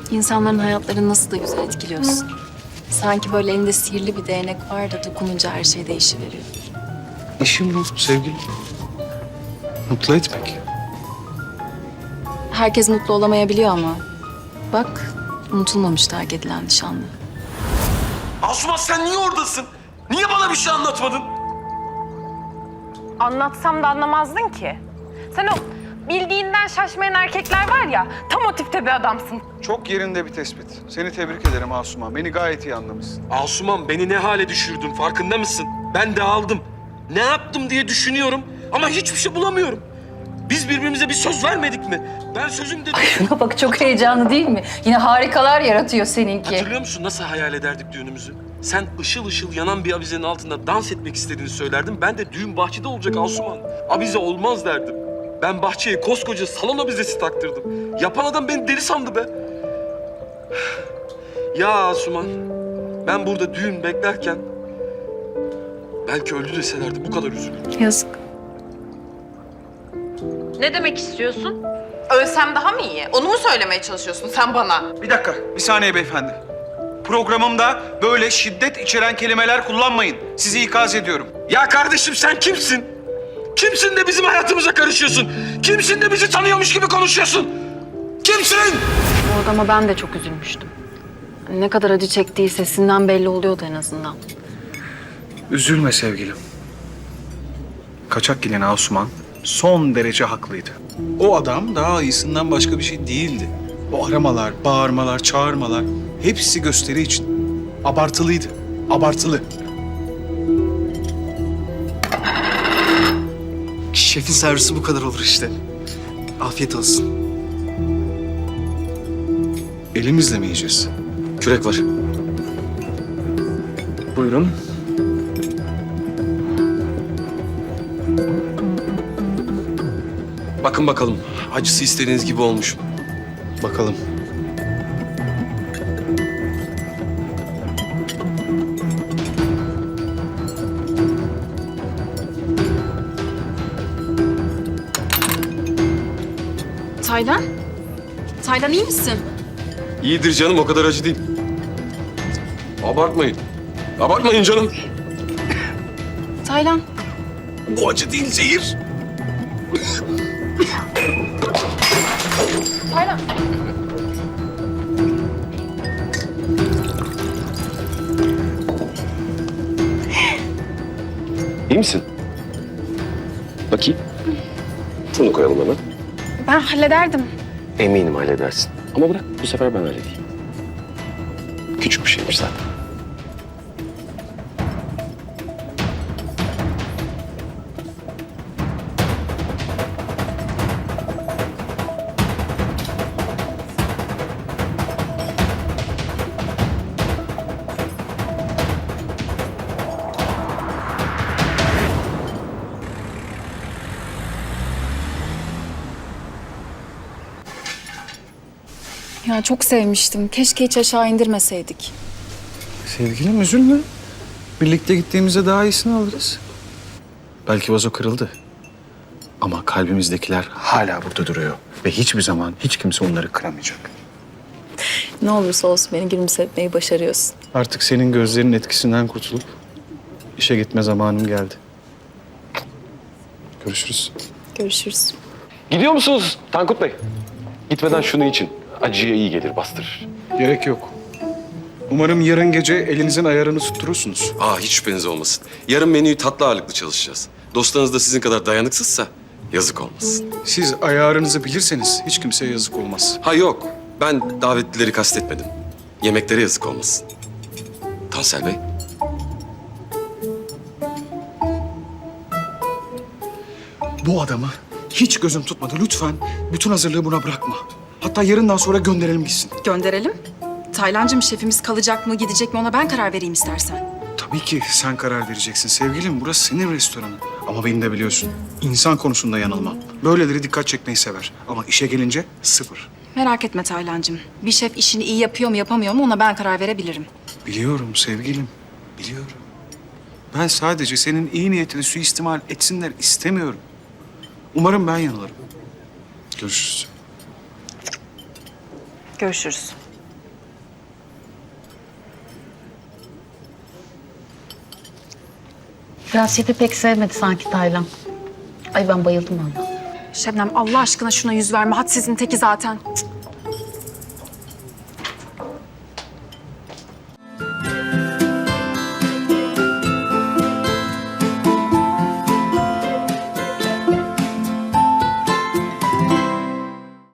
İnsanların hayatlarını nasıl da güzel etkiliyorsun. Sanki böyle elinde sihirli bir değnek var da dokununca her şey değişiveriyor. İşim bu sevgilim. Mutlu etmek. Herkes mutlu olamayabiliyor ama. Bak, unutulmamış terk edilen nişanlı. Asuman sen niye oradasın? Niye bana bir şey anlatmadın? Anlatsam da anlamazdın ki. Sen o bildiğinden şaşmayan erkekler var ya, tam o tipte bir adamsın. Çok yerinde bir tespit. Seni tebrik ederim Asuman. Beni gayet iyi anlamışsın. Asuman beni ne hale düşürdün farkında mısın? Ben dağıldım. Ne yaptım diye düşünüyorum ama hiçbir şey bulamıyorum. Biz birbirimize bir söz vermedik mi? Ben sözümde... Şuna bak, çok heyecanlı değil mi? Yine harikalar yaratıyor seninki. Hatırlıyor musun nasıl hayal ederdik düğünümüzü? Sen ışıl ışıl yanan bir avizenin altında dans etmek istediğini söylerdin. Ben de düğün bahçede olacak Asuman. Avize olmaz derdim. Ben bahçeye koskoca salon avizesi taktırdım. Yapan adam beni deli sandı be. Ya Asuman, ben burada düğün beklerken... belki öldü deselerdi bu kadar üzülürdüm. Yazık. Ne demek istiyorsun? Ölsem daha mı iyi? Onu mu söylemeye çalışıyorsun sen bana? Bir dakika, bir saniye beyefendi. Programımda böyle şiddet içeren kelimeler kullanmayın. Sizi ikaz ediyorum. Ya kardeşim sen kimsin? Kimsin de bizim hayatımıza karışıyorsun? Kimsin de bizi tanıyormuş gibi konuşuyorsun? Kimsin? Bu adama ben de çok üzülmüştüm. Ne kadar acı çektiği sesinden belli oluyordu en azından. Üzülme sevgilim. Kaçak gelen Asuman son derece haklıydı. O adam daha iyisinden başka bir şey değildi. O aramalar, bağırmalar, çağırmalar hepsi gösteri için. Abartılıydı. Abartılı. Şefin servisi bu kadar olur işte. Afiyet olsun. Elimizle mi yiyeceğiz? Kürek var. Buyurun. Bakın bakalım acısı istediğiniz gibi olmuş mu? Bakalım. Taylan? Taylan iyi misin? İyidir canım o kadar acı değil. Abartmayın. Abartmayın canım. Taylan. Bu acı değil zehir. Taylan. İyi misin? Bakayım. Şunu koyalım hemen. Ben hallederdim. Eminim halledersin. Ama bırak bu sefer ben halledeyim. Küçük bir şeymiş zaten. Ya çok sevmiştim. Keşke hiç aşağı indirmeseydik. Sevgilim üzülme. Birlikte gittiğimizde daha iyisini alırız. Belki vazo kırıldı. Ama kalbimizdekiler hala burada duruyor. Ve hiçbir zaman hiç kimse onları kıramayacak. Ne olursa olsun beni gülümsetmeyi başarıyorsun. Artık senin gözlerinin etkisinden kurtulup işe gitme zamanım geldi. Görüşürüz. Görüşürüz. Gidiyor musunuz Tankut Bey? Gitmeden şunu için. Acıya iyi gelir, bastırır. Gerek yok. Umarım yarın gece elinizin ayarını tutturursunuz. Hiç şüpheniz olmasın. Yarın menüyü tatlı ağırlıklı çalışacağız. Dostlarınız da sizin kadar dayanıksızsa yazık olmasın. Siz ayarınızı bilirseniz hiç kimseye yazık olmaz. Ha yok, ben davetlileri kastetmedim. Yemeklere yazık olmasın. Tansel Bey. Bu adamı hiç gözüm tutmadı. Lütfen bütün hazırlığı buna bırakma. Hatta yarından sonra gönderelim gitsin. Gönderelim. Taylancığım şefimiz kalacak mı gidecek mi ona ben karar vereyim istersen. Tabii ki sen karar vereceksin sevgilim. Burası senin restoranın. Ama beni de biliyorsun. İnsan konusunda yanılmam. Böyleleri dikkat çekmeyi sever. Ama işe gelince sıfır. Merak etme Taylancığım. Bir şef işini iyi yapıyor mu yapamıyor mu ona ben karar verebilirim. Biliyorum sevgilim. Biliyorum. Ben sadece senin iyi niyetini suistimal etsinler istemiyorum. Umarım ben yanılırım. Görüşürüz. Görüşürüz. Rasiyeti pek sevmedi sanki Taylan. Ay ben bayıldım valla. Şebnem Allah aşkına şuna yüz verme. Hadsizin teki zaten. Cık.